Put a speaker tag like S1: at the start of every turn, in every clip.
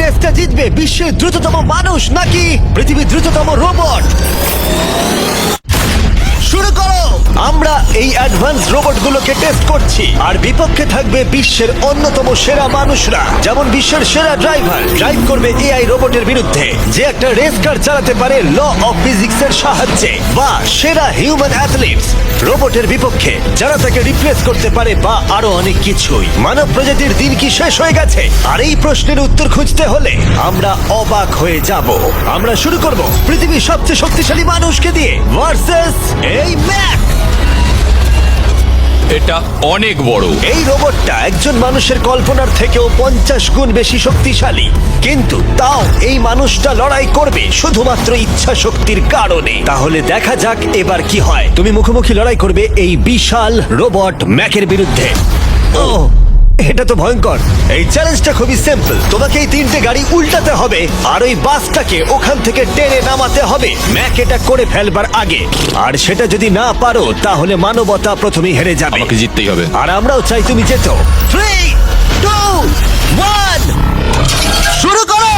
S1: রেসটা জিতবে বিশ্বের দ্রুততম মানুষ নাকি পৃথিবীর দ্রুততম রোবট? শুরু করো। আমরা এই অ্যাডভান্স রোবটগুলোকে টেস্ট করছি আর বিপক্ষে থাকবে বিশ্বের অন্যতম সেরা মানুষরা, যেমন বিশ্বের সেরা ড্রাইভার ড্রাইভ করবে এআই রোবটের বিরুদ্ধে যে একটা রেস কার চালাতে পারে ল অফ ফিজিক্স এর সাহায্যে, বা সেরা হিউম্যান অ্যাথলিটস রোবটের বিপক্ষে যারা তাকে রিপ্লেস করতে পারে, বা আরো অনেক কিছুই। মানব প্রজাতির দিন কি শেষ হয়ে গেছে? আর এই প্রশ্নের উত্তর খুঁজতে হলে আমরা অবাক হয়ে যাব। আমরা শুরু করব পৃথিবীর সবচেয়ে শক্তিশালী মানুষকে দিয়ে ভার্সেস এই ম্যাক।
S2: এটা অনেক বড়।
S1: এই রোবটটা একজন মানুষের কল্পনার থেকেও 50 গুণ বেশি শক্তিশালী, কিন্তু তাও এই মানুষটা লড়াই করবে শুধুমাত্র ইচ্ছা শক্তির কারণে। তাহলে দেখা যাক এবার কি হয়। তুমি মুখোমুখি লড়াই করবে এই বিশাল রোবট ম্যাকের বিরুদ্ধে। ও, এটা তো ভয়ঙ্কর। এই চ্যালেঞ্জটা খুবই সিম্পল। তোমাকে এই 3টে গাড়ি উল্টাতে হবে আর ওই বাসটাকে ওখান থেকে টেনে নামাতে হবে ম্যাক এটা করে ফেলবার আগে। আর সেটা যদি না পারো তাহলে মানবতা প্রথমেই হেরে যাবে।
S2: আমাকে জিততেই হবে।
S1: আর আমরাও চাই তুমি যেতো। 3, 2, 1 শুরু করো।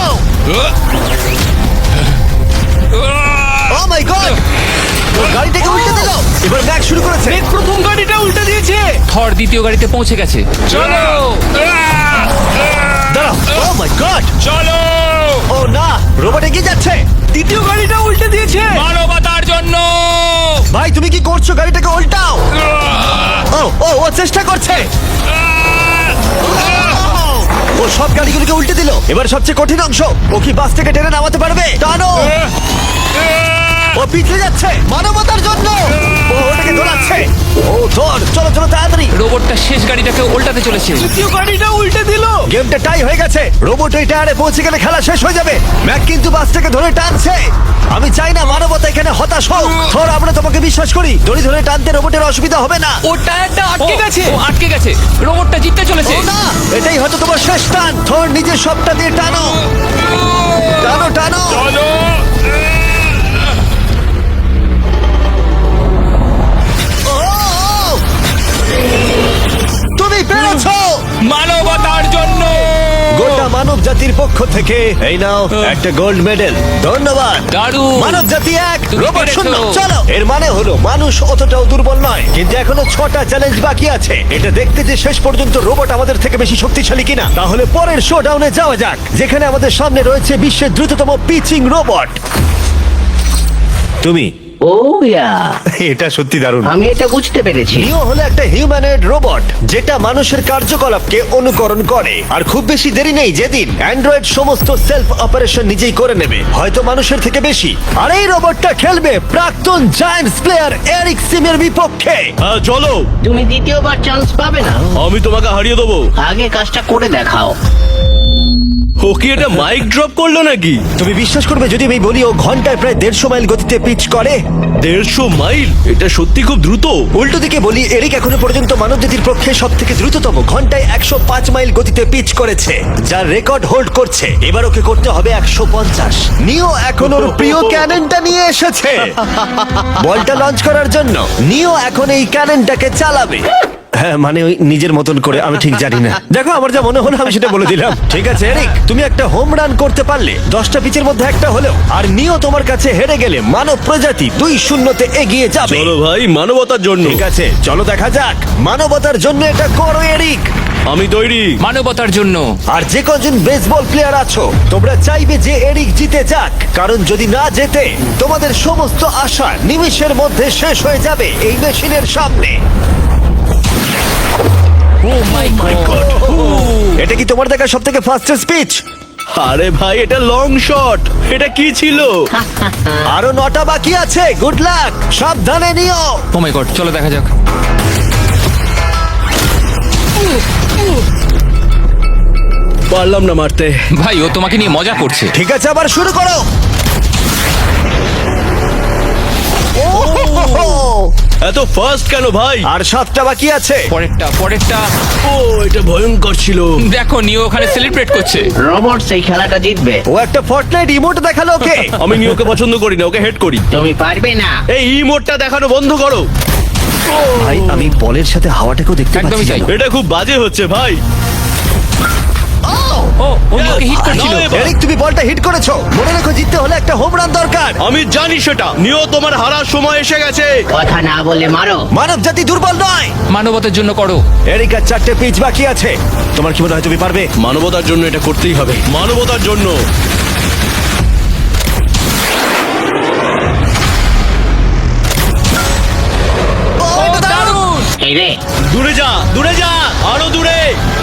S1: ও মাই গড, গাড়িটাকে উল্টে দিল। এবার ম্যাক শুরু করেছে।
S3: প্রথম গাড়িটা উল্টে দিয়েছে।
S2: থর দ্বিতীয় গাড়িতে পৌঁছে গেছে। চলো
S1: দাঁড়াও। ও মাই গড,
S2: চলো।
S1: ও না, রোবট এগিয়ে যাচ্ছে।
S3: দ্বিতীয় গাড়িটা উল্টে দিয়েছে।
S2: মানবতার জন্য।
S1: ভাই তুমি কি করছো? গাড়িটাকে উল্টাও। ও ও ও চেষ্টা করছে। ও সব গাড়িগুলোকে উল্টে দিল। এবার সবচেয়ে কঠিন অংশ, ও কি বাস থেকে টেনে নামাতে পারবে? টানো। ও পিছলে যাচ্ছে মানবতার জন্য। ও ওটাকে দোলাচ্ছে। ও ধর, চলো চলো তাড়াতাড়ি।
S2: রোবটটা শেষ গাড়িটাকে উল্টাতে চলেছে।
S3: দ্বিতীয় গাড়িটা উল্টে দিল।
S1: গেমটা টাই হয়ে গেছে। রোবট ওই টায়ারে পৌঁছে গেলে খেলা শেষ হয়ে যাবে। ম্যাক কিন্তু বাসটাকে ধরে টানছে। আমি চাই না মানবতা এখানে হতাশ হোক। ধর, আমরা তোমাকে বিশ্বাস করি। দড়ি ধরে টানতে রোবটের অসুবিধা হবে না।
S2: ও টায়ারটা আটকে
S3: ও,
S2: গেছে। ও আটকে গেছে। রোবটটা জিততে চলেছে।
S1: ও না, এটাই হয়তো তোমার শেষ টান। থর নিজের সবটা দিয়ে টানো। টানো টানো।
S2: চলো।
S1: ও, তুমি পেরেছো।
S2: মানবতার জন্য।
S1: গোটা মানব জাতির পক্ষ থেকে এই নাও একটা গোল্ড মেডেল। ধন্যবাদ।
S2: দারুণ।
S1: মানব জাতি এক,
S2: তুমি
S1: রোবট
S2: পেরেছো।
S1: শূন্য। চলো, এর মানে হলো মানুষ অতটাও দুর্বল নয়, কিন্তু এখনো 6টা চ্যালেঞ্জ বাকি আছে। এটা দেখতে যে শেষ পর্যন্ত রোবট আমাদের থেকে বেশি শক্তিশালী কিনা। তাহলে পরের শোডাউনে যাওয়া যাক, যেখানে আমাদের সামনে রয়েছে বিশ্বের দ্রুততম পিচিং রোবট। তুমি
S4: ও ইয়া,
S1: এটা সত্যি দারুণ।
S4: আমি এটা বুঝতে পেরেছি।
S1: নিও হলো একটা হিউম্যানয়েড রোবট যেটা মানুষের কার্যকলাপকে অনুকরণ করে। আর খুব বেশি দেরি নেই যেদিন অ্যান্ড্রয়েড সমস্ত সেলফ অপারেশন নিজেই করে নেবে, হয়তো মানুষের থেকে বেশি। আর এই রোবটটা খেলবে প্রাক্তন জায়ান্টস প্লেয়ার এরিক সিমের বিপক্ষে।
S5: হ্যাঁ চলো,
S4: তুমি দ্বিতীয়বার চান্স পাবে না।
S5: আমি তোমাকে হারিয়ে দেবো।
S4: আগে কাজটা করে দেখাও।
S5: ও কি এটা মাইক ড্রপ করলো নাকি?
S1: তুমি বিশ্বাস করবে যদি আমি বলি ও ঘন্টায় প্রায় 150 মাইল গতিতে পিচ করে?
S5: 150 মাইল? এটা সত্যি খুব দ্রুত।
S1: উল্টো দিকে বলি, এরিক এখনো পর্যন্ত মানবজাতির পক্ষে সব থেকে দ্রুততম ঘন্টায় 105 মাইল গতিতে পিচ করেছে, যার রেকর্ড হোল্ড করছে। এবার ওকে করতে হবে 150। নিও এখন ওর প্রিয় ক্যাননটা নিয়ে এসেছে বলটা লঞ্চ করার জন্য। নিও এখন এই ক্যাননটাকে চালাবে। হ্যাঁ, মানে ওই নিজের মতন করে। আমি ঠিক জানি না। দেখো, আমার যা মনে হলো আমি সেটা বলে দিলাম। ঠিক আছে এরিক, তুমি একটা হোম রান করতে পারলে 10টা পিচের মধ্যে একটা হলেও, আর নিও তোমার কাছে হেরে গেলে মানব প্রজাতি 2-0 এগিয়ে যাবে।
S5: চলো ভাই, মানবতার জন্য।
S1: ঠিক আছে, চলো দেখা যাক। মানবতার জন্য এটা করো এরিক।
S5: আমি তৈরি।
S2: মানবতার জন্য।
S1: আর যে কজন বেসবল প্লেয়ার আছো, তোমরা চাইবে যে এরিক জিতে যাক, কারণ যদি না জেতে তোমাদের সমস্ত আশা নিমেষের মধ্যে শেষ হয়ে যাবে এই মেশিনের সামনে।
S2: Oh my God.
S1: এটা কি তোমার দেখা সব থেকে ফাস্টেস্ট স্পিচ?
S5: আরে ভাই, এটা লং শট। এটা কি ছিল?
S1: আরো 9টা বাকি আছে। গুড লাক, সাবধানে নিও।
S2: ও মাই গড, চলো দেখা যাক।
S5: পারলাম না মারতে।
S2: ভাই, ও তোমাকে নিয়ে মজা করছে।
S1: ঠিক আছে, আবার শুরু করো।
S5: এত ফাস্ট কেন ভাই?
S1: আর 7টা বাকি আছে।
S2: পরেরটা।
S5: ও, এটা ভয়ঙ্কর ছিল।
S2: দেখো, নিও ওখানে সেলিব্রেট করছে।
S4: রোবট সেই খেলাটা জিতবে।
S1: ও একটা ফর্টনাইট ইমোট দেখালো ওকে।
S5: আমি নিয়োকে পছন্দ করি না, ওকে হেড করি।
S4: তুমি পারবে না।
S5: এই ইমোটটা দেখানো বন্ধ করো।
S1: ভাই, আমি বলের সাথে হাওয়াটাকেও দেখতে
S2: একদমই
S1: পাচ্ছি।
S2: তাই।
S1: জানো?
S5: এটা খুব বাজে হচ্ছে ভাই।
S2: ও নিওকে হিট করছিল।
S5: নাও এবার।
S1: এরিক, তুমি বলটা হিট করেছো। মনে রেখো, জিততে হলে একটা হোম রান দরকার।
S5: আমি জানি সেটা। নিও, তোমার হারার সময় এসে গেছে।
S4: কথা না বলে মারো।
S1: মানব জাতি দুর্বল নয়।
S2: মানবতার জন্য করো।
S1: এরিক, আর 4টে পিচ বাকি আছে। তোমার কি মনে হয় তুমি পারবে?
S5: মানবতার জন্য এটা করতেই হবে। মানবতার জন্য।
S1: ও, এটা দারুণ!
S2: দারুণ!
S4: এই রে,
S5: দূরে যা, দূরে যা, আরো দূরে।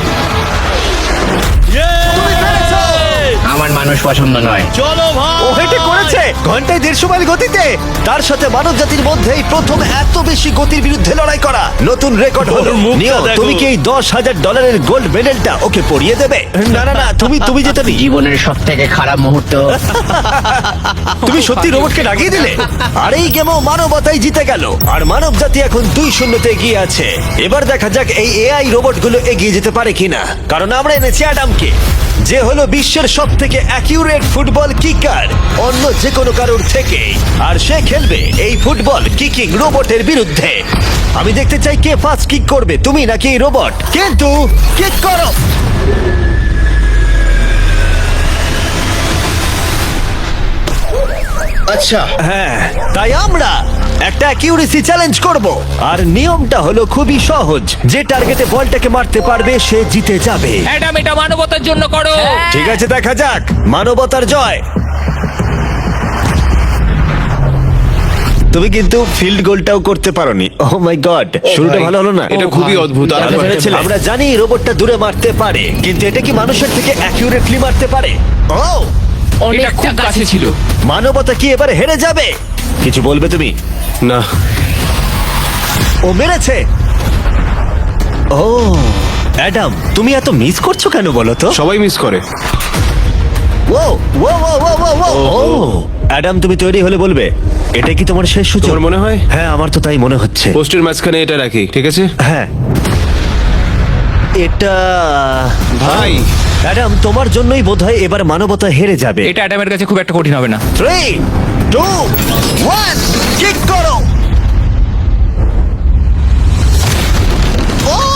S1: তুমি পেরেছো!
S4: আমার মানুষ পছন্দ নয়।
S5: চলো ভাই।
S1: ও হেটে করেছে ঘন্টায় 150 মাইল গতিতে। তার সাথে মানব জাতির মধ্যেই প্রথম এত বেশি গতির বিরুদ্ধে লড়াই করা নতুন রেকর্ড হলো।
S5: ওর মুখটা
S1: নিও,
S5: দেখো।
S1: তুমি কি এই $10,000 গোল্ড মেডেলটা ওকে পরিয়ে দেবে? না না না, তুমি যেতে নি।
S4: জীবনের সব থেকে খারাপ মুহূর্ত।
S1: তুমি সত্যি রোবটকে লাগিয়ে দিলে। আর এই গেমও মানবতাই জিতে গেল। আর মানব জাতি এখন 2-0 এগিয়ে আছে। এবার দেখা যাক এই এআই রোবটগুলো এগিয়ে যেতে পারে কিনা, কারণ আমরা এনেছি অ্যাডামকে, যে হলো বিশ্বের সব থেকে অ্যাকিউরেট ফুটবল কিকার অন্য যে কোনো কারোর থেকে। আর সে খেলবে এই ফুটবল কিকিং রোবটের বিরুদ্ধে। আমি দেখতে চাই কে ফার্স্ট কিক করবে, তুমি নাকি এই রোবট। কিন্তু কিক করো।
S5: আচ্ছা,
S1: হ্যাঁ, তাই আমরা একটা অ্যাকিউরেসি চ্যালেঞ্জ করব। আর নিয়মটা হলো খুবই সহজ, যে টার্গেটে বলটাকে মারতে পারবে সে জিতে যাবে।
S2: অ্যাডাম, এটা মানবতার জন্য করো।
S1: ঠিক আছে, দেখা যাক মানবতার জয়। তুমি কিন্তু ফিল্ড গোলটাও করতে পারোনি। ও মাই গড, শুরুটা ভালো হলো না।
S5: এটা খুবই অদ্ভুত। আর
S1: আমরা ভেবেছিলাম, আমরা জানি এই রোবটটা দূরে মারতে পারে, কিন্তু এটা কি মানুষের থেকে অ্যাকিউরেটলি মারতে পারে? ও,
S2: এটা খুব কাছে ছিল।
S1: মানবতা কি এবার হেরে যাবে? কিছু বলবে তুমি?
S5: না,
S1: ও মেরেছে। ও অ্যাডাম, তুমি এত মিস করছো কেন বলো তো?
S5: সবাই মিস করে।
S1: ও ও ও ও ও ও ও অ্যাডাম, তুমি তৈরি হলে বলবে। এটা কি তোমার শেষ সূচক?
S5: তোমার মনে হয়?
S1: হ্যাঁ, আমার তো তাই মনে হচ্ছে।
S5: পোস্টের মাঝখানে এটা রাখি, ঠিক আছে?
S1: হ্যাঁ, এটা
S5: ভাই।
S1: অ্যাডাম, তোমার জন্যই বোধহয় এবার মানবতা হেরে যাবে।
S2: এটা অ্যাডামের কাছে খুব একটা কঠিন হবে না।
S1: 3, 2, 1, কিক করো। ও,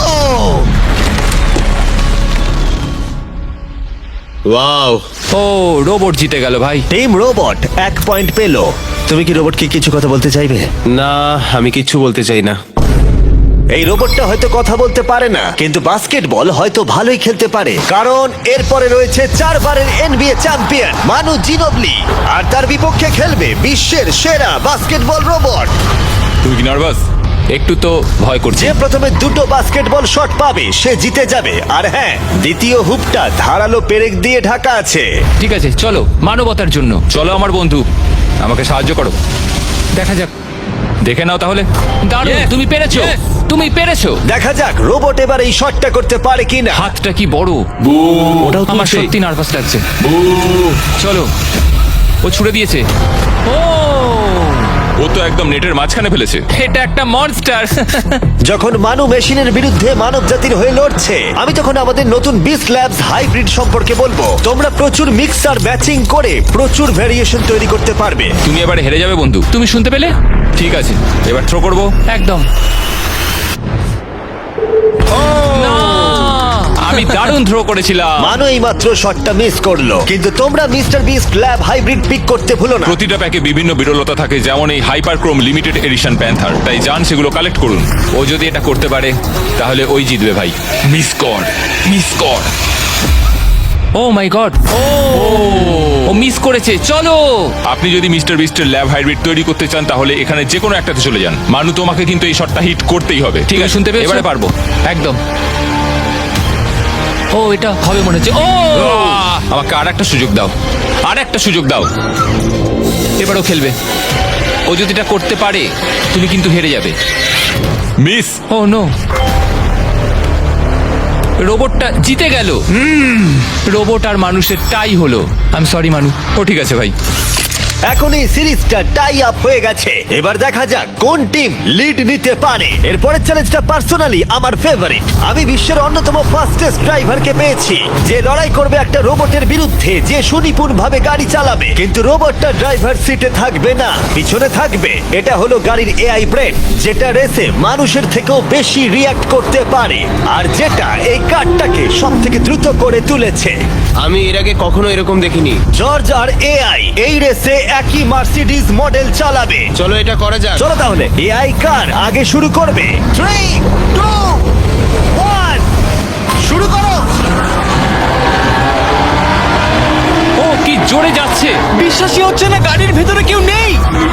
S5: ওয়াও।
S2: ও, রোবট জিতে গেল ভাই।
S1: টিম রোবট 1 পয়েন্ট পেলো। তুমি কি রোবটকে কিছু কথা বলতে চাইবে?
S5: না, আমি কিচ্ছু বলতে চাই না।
S1: এই রোবটটা হয়তো কথা বলতে পারে না, কিন্তু বাস্কেটবল হয়তো ভালোই খেলতে পারে, কারণ এরপরে রয়েছে 4 বারের NBA চ্যাম্পিয়ন মানু জিনোবলি। আর তার বিপক্ষে খেলবে বিশ্বের সেরা বাস্কেটবল রোবট।
S2: তুমি কি নার্ভাস? একটু তো ভয় করছে।
S1: যে প্রথমে 2টো বাস্কেটবল শট পাবে সে জিতে যাবে। আর হ্যাঁ, দ্বিতীয় হুপটা ধারালো পেরেক দিয়ে ঢাকা আছে।
S2: ঠিক আছে, চলো মানবতার জন্য। চলো আমার বন্ধু, আমাকে সাহায্য করো। দেখা যাক, দেখে নাও তাহলে। দারুণ, তুমি পেরেছো, তুমি পেরেছো।
S1: দেখা যাক রোবট এবার এই শটটা করতে পারে কিনা।
S2: হাতটা কি বড়।
S1: ওটাও
S2: আমার
S1: তুলছে।
S2: সত্যি নার্ভাস লাগছে। চলো, ও ছুড়ে দিয়েছে। ও,
S6: ও তো একদম নেটের মাঝখানে ফেলেছে।
S2: এটা একটা মনস্টার।
S1: যখন মানু মেশিনের বিরুদ্ধে মানব জাতির হয়ে লড়ছে, আমি তখন আমাদের নতুন বিস ল্যাবস হাইব্রিড সম্পর্কে বলবো। তোমরা প্রচুর মিক্সার ম্যাচিং করে প্রচুর ভেরিয়েশন তৈরি করতে পারবে।
S6: তুমি এবারে হেরে যাবে বন্ধু।
S2: তুমি শুনতে পেলে?
S6: ঠিক আছে, এবার থ্রো করবো।
S2: একদম। না! আমি দারুণ থ্রো করেছিলাম।
S1: মানু এই মাত্র শটটা মিস করলো, কিন্তু তোমরা Mister Beast lab hybrid pick করতে ভুলো না।
S6: প্রতিটা প্যাকে বিভিন্ন বিরলতা থাকে, যেমন এই হাইপারক্রোম লিমিটেড এডিশন প্যান্থার। তাই যান সেগুলো কালেক্ট করুন।
S2: ও যদি এটা করতে পারে তাহলে ওই জিতবে ভাই।
S6: মিস কর, মিস কর।
S2: ও মাই গড, ও মিস করেছে। চলো,
S6: আপনি যদি মিস্টার বিস্টের ল্যাব হাইব্রিড তৈরি করতে চান তাহলে এখানে যে কোনো একটাতে চলে যান। মানু, তোমাকে কিন্তু এই শটটা হিট করতেই হবে।
S2: ঠিক আছে, শুনতে পেয়েছো?
S6: এবারে পারবো।
S2: একদম। ও, এটা হবে মনে হচ্ছে। ও,
S6: আমাকে আর একটা সুযোগ দাও, আর একটা সুযোগ দাও।
S2: এবারও খেলবে। ও যদি এটা করতে পারে তুমি কিন্তু হেরে যাবে।
S6: মিস।
S2: ও নো, রোবটটা জিতে গেল। রোবট আর মানুষের টাই হলো। আই এম সরি মানু।
S6: ও ঠিক আছে ভাই।
S1: এখন এই সিরিজটা টাই আপ হয়ে গেছে। এবার দেখা যাক কোন টিম লিড নিতে পারে। এরপরের চ্যালেঞ্জটা পার্সোনালি আমার ফেভারিট। আমি বিশ্বের অন্যতম ফাস্টেস্ট ড্রাইভারকে পেয়েছি, যে লড়াই করবে একটা রোবটের বিরুদ্ধে, যে সুনিপুণ ভাবে গাড়ি চালাবে। কিন্তু রোবটটা ড্রাইভার সিটে থাকবে না, পিছনে থাকবে। এটা হলো গাড়ির এআই ব্রেন, যেটা রেসে মানুষের থেকেও বেশি রিয়াক্ট করতে পারে, আর যেটা এই কারটাকে সব থেকে দ্রুত করে তুলেছে।
S5: আমি এর আগে কখনো এরকম দেখিনি।
S1: জর্জ আর এআই এই রেসে একই মার্সিডিজ মডেল চালাবে।
S5: চলো এটা করা যাক।
S1: চলো তাহলে এআই কার আগে শুরু করবে। 3, 2, 1 শুরু করো।
S2: ও কি জোরে যাচ্ছে!
S3: বিশ্বাসই হচ্ছে না গাড়ির ভেতরে কেউ নেই।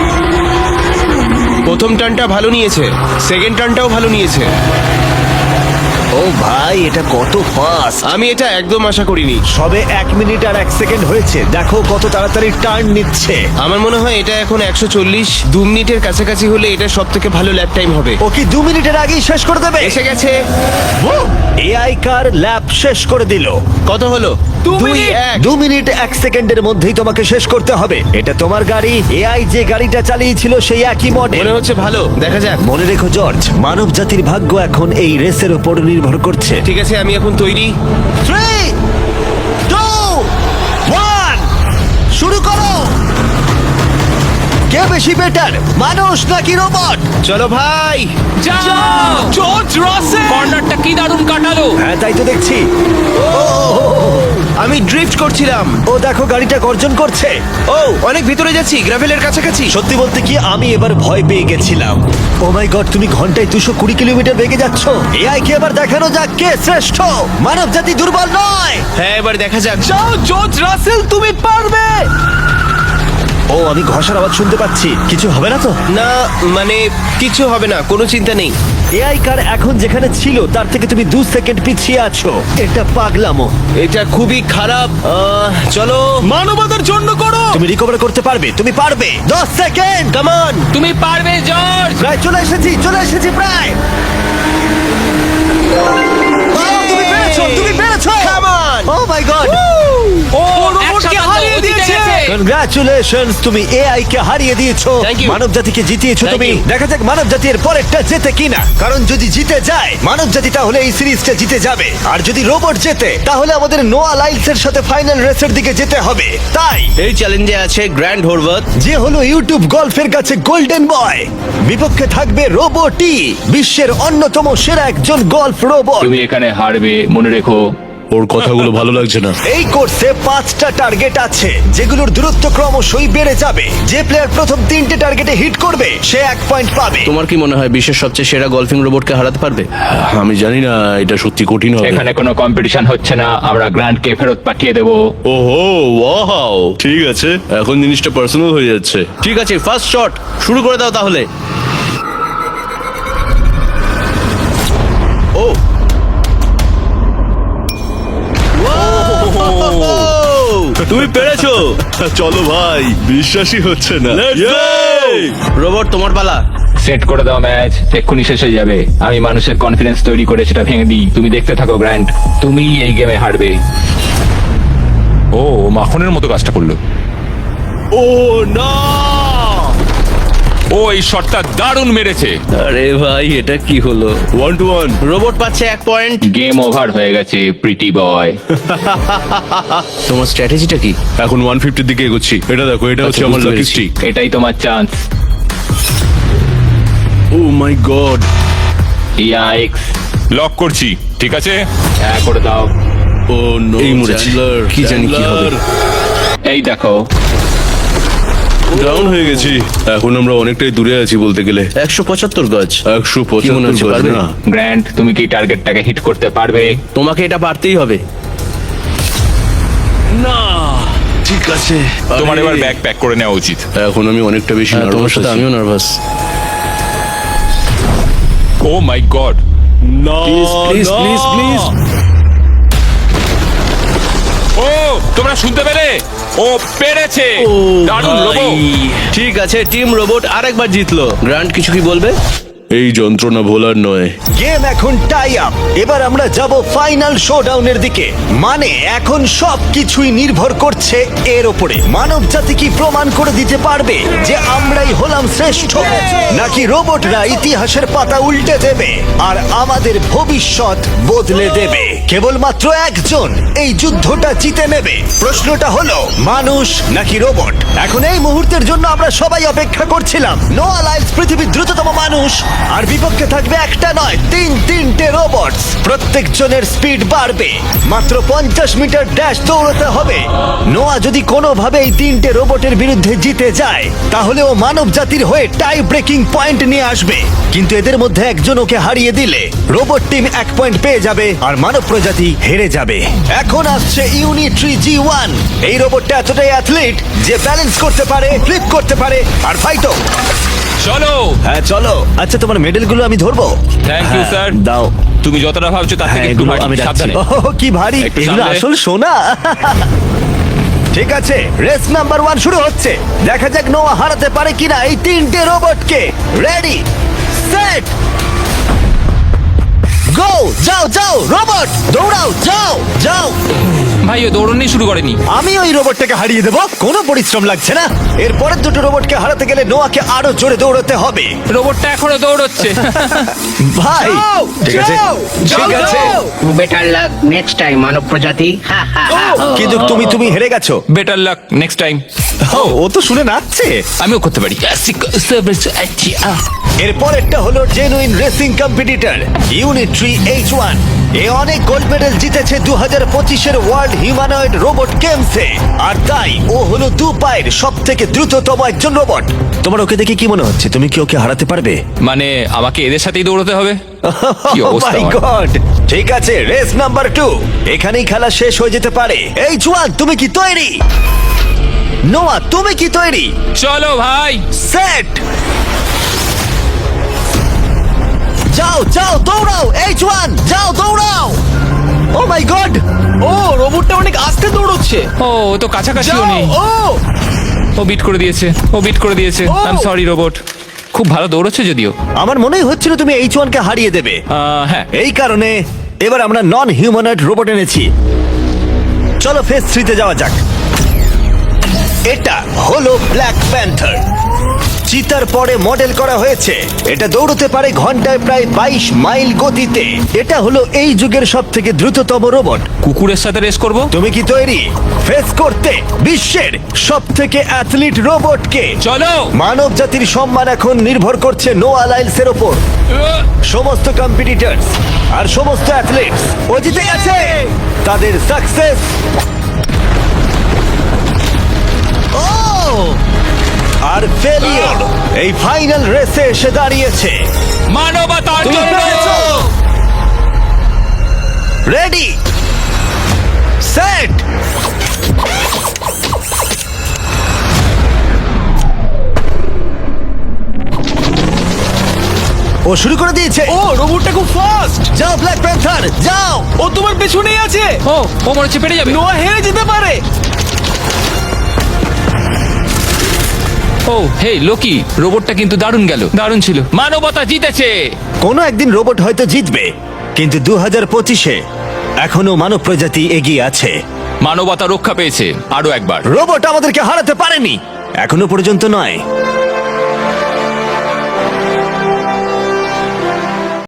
S5: প্রথম টার্নটা ভালো নিয়েছে, সেকেন্ড টার্নটাও ভালো নিয়েছে।
S1: ও ভাই, এটা কত ফাস্ট!
S5: আমি এটা একদম আশা করিনি।
S1: সবে 1 মিনিট আর 1 সেকেন্ড হয়েছে, দেখো কত তাড়াতাড়ি টার্ন নিচ্ছে।
S5: আমার মনে হয় এটা এখন 140, 2 মিনিটের কাছাকাছি হলে এটা সব থেকে ভালো ল্যাপ টাইম হবে।
S1: ও কি 2 মিনিটের আগেই শেষ করে দেবে?
S5: এসে গেছে।
S1: এআই কার ল্যাব শেষ করে দিল।
S5: কত হলো?
S3: 2
S5: 2,
S3: মিনিট।
S5: 1।
S1: 2 মিনিট 1 সেকেন্ডের মধ্যেই তোমাকে শেষ করতে হবে। এটা তোমার গাড়ি। এআই যে গাড়িটা চালিয়েছিল সেই একই মডেল।
S5: মনে হচ্ছে ভালো, দেখা যাক।
S1: মনে রেখো জর্জ, মানব জাতির ভাগ্য এখন এই রেসের উপর নির্ভর করছে।
S5: ঠিক আছে, আমি এখন তৈরি।
S1: 3, 2, 1 শুরু করো। কে বেশি বেটার, মানুষ নাকি রোবট?
S5: চলো ভাই।
S2: যাও!
S3: জর্জ রাসেল।
S2: কর্নারটা কি দারুণ কাটালো!
S1: হ্যাঁ, তাই তো দেখছি।
S5: আমি ড্রিফট করছিলাম।
S1: ও দেখো, গাড়িটা গর্জন করছে।
S5: ও অনেক ভিতরে যাচ্ছি, গ্রাভেলের কাছাকাছি।
S1: সত্যি বলতে কি, আমি এবার ভয় পেয়ে গেছিলাম। ও মাই গড, তুমি ঘন্টায় 220 কিলোমিটার বেগে যাচ্ছ। এআই কে এবার দেখানো যাক কে শ্রেষ্ঠ। মানব জাতি দুর্বল নয়।
S5: হ্যাঁ, এবার দেখা যাক।
S3: যাও জর্জ রাসেল, তুমি পারবে।
S1: ও, আমি ঘষার আওয়াজ শুনতে পাচ্ছি। কিছু হবে না তো?
S5: না, মানে কিছু হবে না, কোনো চিন্তা নেই।
S1: এআই কার এখন যেখানে ছিল তার থেকে তুমি 2 সেকেন্ড পিছিয়ে আছো। এটা পাগলামো।
S5: এটা খুবই খারাপ। চলো।
S3: মানবতার জন্য করো।
S1: তুমি রিকভার করতে পারবে, তুমি পারবে। 10 সেকেন্ড, কাম অন।
S2: তুমি পারবে জর্জ!
S1: প্রায় চলে এসেছি প্রায়। ও, তুমি পেরেছো, তুমি পেরেছো।
S5: Come on!
S1: Oh my God,
S2: ও
S3: রোবটকে
S2: একসাথে
S3: হারিয়ে
S2: ও জিতে
S3: দিয়েছে।
S2: গেছে।
S1: কনগ্রাচুলেশনস, তুমি এআই কে হারিয়ে দিয়েছো।
S5: Thank you.
S1: মানব জাতিকে জিতিয়েছো
S5: Thank
S1: তুমি।
S5: you.
S1: দেখা যাক মানব জাতির পরেরটা জেতে কিনা। কারণ যদি জিতে যায় মানব জাতি, তাহলে এই সিরিজটা জিতে যাবে। আর যদি রোবট জেতে, তাহলে আমাদের নোয়া লাইলসের সাথে ফাইনাল রেসের দিকে যেতে হবে। তাই
S5: এই চ্যালেঞ্জে আছে গ্র্যান্ড হোরভাত।
S1: যে হলো ইউটিউব গল্ফের কাছে গোল্ডেন বয়, বিপক্ষে থাকবে রোবটই, বিশ্বের অন্যতম সেরা একজন গল্ফ রোবট।
S2: তুমি এখানে হারবে, মনে রেখো।
S7: ওর কথাগুলো ভালো লাগছে না।
S1: এই কোর্সে 5টা টার্গেট আছে, যেগুলোর দূরত্ব ক্রমশই বেড়ে যাবে। যে প্লেয়ার প্রথম 3টে টার্গেটে হিট করবে সে 1 পয়েন্ট পাবে।
S5: তোমার কি মনে হয় বিশ্বের সবচেয়ে সেরা গলফিং রোবটকে হারাতে পারবে?
S7: আমি জানি না, এটা সত্যি কঠিন হবে।
S2: এখানে কোনো কম্পিটিশন হচ্ছে না, আমরা গ্র্যান্ডকে ফেরত পাঠিয়ে দেবো।
S7: ওহো, ওয়াও, ঠিক আছে, এখন জিনিসটা পার্সোনাল হয়ে যাচ্ছে।
S5: ঠিক আছে, ফার্স্ট শট শুরু করে দাও তাহলে। ও
S7: তুমি পেরেছো। চলো ভাই, বিশ্বাসই হচ্ছে না।
S5: রোবট, তোমার পালা।
S2: সেট করে দাও ম্যাচ, এক্ষুনি শেষ হয়ে যাবে। আমি মানুষের কনফিডেন্স তৈরি করে সেটা ভেঙে দিই। তুমি দেখতে থাকো গ্র্যান্ড, তুমি এই গেমে হারবে।
S6: ও মাখনের মতো কাজটা করলো।
S7: ও না,
S6: ও এই শটটা দারুণ মেরেছে।
S5: আরে ভাই, এটা কি হলো?
S7: 1-1।
S5: রোবট পাচ্ছে 1 পয়েন্ট।
S2: গেম ওভার হয়ে গেছে প্রিটি বয়।
S5: তোমার স্ট্র্যাটেজিটা কি?
S7: এখন 150 দিকে এগোচ্ছি। এটা দেখো, এটা হচ্ছে আমার
S5: বুঝতে
S7: লাকি
S5: পেরেছি।
S7: স্ট্রিক।
S2: এটাই তোমার chance.
S7: Oh my God.
S2: Yikes!
S6: Lock করছি, ঠিক আছে?
S2: হ্যাঁ, করে দাও।
S7: ও নো,
S5: এই মরেছে। কি জানি কি হবে।
S2: এই দেখো,
S7: ডাউন হয়ে গেছি। এখন আমরা অনেকটাই দূরে আছি বলতে গেলে।
S5: 175 গজ।
S7: 175
S5: মনে হচ্ছে,
S7: গজ
S5: পারবে?
S7: না।
S2: গ্র্যান্ড, তুমি কি টার্গেটটাকে হিট করতে পারবে?
S5: তোমাকে এটা পারতেই হবে।
S7: না, ঠিক আছে।
S6: তোমার
S7: আরে,
S6: এবার ব্যাগ প্যাক করে নেওয়া উচিত।
S7: এখন আমি অনেকটা বেশি
S5: তোমার
S7: নার্ভাস
S5: সাথে
S7: আছি।
S5: আমিও নার্ভাস।
S6: Oh my God!
S7: না,
S5: প্লিজ
S7: না।
S5: Please please.
S6: ও তোমরা শুনতে পেলে? ও পেরেছে! দারুণ লোগো।
S5: ঠিক আছে, টিম রোবট আরেকবার জিতলো। গ্র্যান্ড, কিছু কি বলবে?
S7: এই যন্ত্রণা ভোলার নয়।
S1: গেম এখন টাই আপ। এবার আমরা যাব ফাইনাল শোডাউনের দিকে। মানে এখন সবকিছুই নির্ভর করছে এর উপরে। মানব জাতি কি প্রমাণ করে দিতে পারবে যে আমরাই হলাম শ্রেষ্ঠ, নাকি রোবটরা ইতিহাসের পাতা উল্টে দেবে আর আমাদের ভবিষ্যৎ বদলে দেবে? কেবলমাত্র একজন এই যুদ্ধটা জিতে নেবে? প্রশ্নটা হলো মানুষ নাকি রোবট? এখন এই মুহূর্তের জন্য আমরা সবাই অপেক্ষা করছিলাম। নোয়া লাইলস পৃথিবীর দ্রুততম মানুষ, আর বিপক্ষে থাকবে একটা নয় তিনটে রোবট। প্রত্যেকজনের স্পিড বাড়বে। মাত্র 50 মিটার ড্যাশ দৌড়তে হবে। নোয়া যদি কোনোভাবে এই তিনটে রোবটের বিরুদ্ধে জিতে যায়, তাহলে ও মানব জাতির হয়ে টাই ব্রেকিং পয়েন্ট নিয়ে আসবে। কিন্তু এদের মধ্যে একজন ওকে হারিয়ে দিলে রোবট টিম 1 পয়েন্ট পেয়ে যাবে আর মানব প্রজাতি হেরে যাবে। এখন আসছে ইউনিট্রি G1। এই রোবটটা এতটাই অ্যাথলিট যে ব্যালেন্স করতে পারে, ফ্লিপ করতে পারে আর ফাইটও।
S6: চলো।
S1: হ্যাঁ চলো। আচ্ছা, তোমার মেডেলগুলো আমি ধরবো?
S6: Thank you,
S1: হ্যাঁ,
S6: sir.
S1: দাও।
S6: তুমি যতটা ভাবছো তার থেকে
S1: হ্যাঁ,
S6: একটু
S1: এগুলো
S6: ভারী।
S1: আমি রাখছি।
S6: সাবধানে।
S1: ওহ, কি ভারী!
S6: একটু
S1: এগুলো
S6: সামলে।
S1: আসল সোনা। ঠিক আছে, রেস নাম্বার 1 শুরু হচ্ছে। দেখা যাক নোয়া হারাতে পারে কিনা এই তিনটে রোবটকে। Ready, set, go! যাও যাও রোবট, দৌড়াও, যাও যাও।
S2: ভাই ও দৌড়নি শুরু করেনি।
S1: আমি ওই রোবটটাকে হারিয়ে দেবো, কোনো পরিশ্রম লাগছে না। এরপরের দুটো রোবটকে হারাতে গেলে নোয়াকে আরো জোরে দৌড়াতে হবে।
S2: রোবটটা এখনো দৌড়চ্ছে।
S1: ভাই
S3: যাও,
S1: ঠিক আছে,
S3: যাও,
S1: ঠিক
S3: যাও,
S1: আছে,
S3: যাও।
S4: বেটার লাক নেক্সট টাইম মানব প্রজাতি। হা, হা, হা।
S1: কিন্তু তুমি হেরে গেছো।
S2: Better luck next time.
S1: ও তো শুনে নাচছে।
S2: আমিও করতে পারি।
S1: এরপরেরটা হলো genuine racing competitor Unitree H1। এ অনেক গোল্ড মেডেল জিতেছে 2025-এর ওয়ার্ল্ড হিউম্যানয়েড রোবট গেমসে, আর তাই ও হলো 2 পায়ের সব থেকে দ্রুততম একজন রোবট। তোমার ওকে দেখে কি মনে হচ্ছে? তুমি কি ওকে হারাতে পারবে?
S2: মানে আমাকে এদের সাথেই দৌড়তে হবে? কি
S1: Oh
S2: অবস্থা
S1: my
S2: আমার।
S1: God! ঠিক আছে, রেস নাম্বার 2। এখানেই খেলা শেষ হয়ে যেতে পারে। H1, তুমি কি তৈরি? নোয়া, তুমি কি তৈরি?
S2: চলো ভাই।
S1: সেট, যাও যাও দৌড়াও। H1, যাও দৌড়াও। ও মাই গড!
S3: ও রোবটটা অনেক আস্তে দৌড়চ্ছে।
S2: ও ও তো কাছাকাছিও
S3: যাও,
S2: নেই। ও বিট করে দিয়েছে, ও বিট করে দিয়েছে।
S3: ও!
S2: I am sorry robot. খুব ভালো দৌড়চ্ছে যদিও।
S1: আমার মনেই হচ্ছিল তুমি H1 কে হারিয়ে দেবে।
S2: হ্যাঁ।
S1: এই কারণে এবার আমরা নন হিউম্যানয়েড রোবট এনেছি। চলো ফেজ 3 তে যাওয়া যাক। এটা হলো ব্ল্যাক প্যান্থার। চিতার পরে মডেল করা হয়েছে। এটা দৌড়তে পারে ঘন্টায় প্রায় 22 মাইল গতিতে। এটা হলো এই যুগের সব থেকে দ্রুততম রোবট।
S2: কুকুরের সাথে রেস করব।
S1: তুমি কি তৈরি ফেস করতে বিশ্বের সব থেকে অ্যাথলিট রোবটকে?
S2: চলো।
S1: মানব জাতির সম্মান এখন নির্ভর করছে নোয়া লাইলসের ওপর। সমস্ত কম্পিটিটরস আর সমস্ত অ্যাথলিটস ও জিতে গেছে। তাদের সাকসেস আর ফেলিওর এই ফাইনাল রেসে এসে দাঁড়িয়েছে।
S2: মানবতার
S1: তুমি
S2: জন্য।
S1: পেরেছো। রেডি, সেট, ও শুরু করে দিয়েছে।
S3: ও রোবটটা খুব ফাস্ট।
S1: যাও ব্ল্যাক প্যান্থার, যাও।
S3: ও তোমার পেছনেই আছে।
S2: ও ও মনে হচ্ছে পেরে যাবে।
S3: নোয়া হেরে যেতে পারে।
S2: ও হে লোকি, রোবটটা কিন্তু দারুণ গেল, দারুণ ছিল। মানবতা জিতেছে।
S1: কোনো একদিন রোবট হয়তো জিতবে, কিন্তু 2025-এ এখনো মানব প্রজাতি এগিয়ে আছে।
S2: মানবতা রক্ষা পেয়েছে আরো একবার।
S1: রোবট আমাদেরকে হারাতে পারেনি, এখনো পর্যন্ত নয়।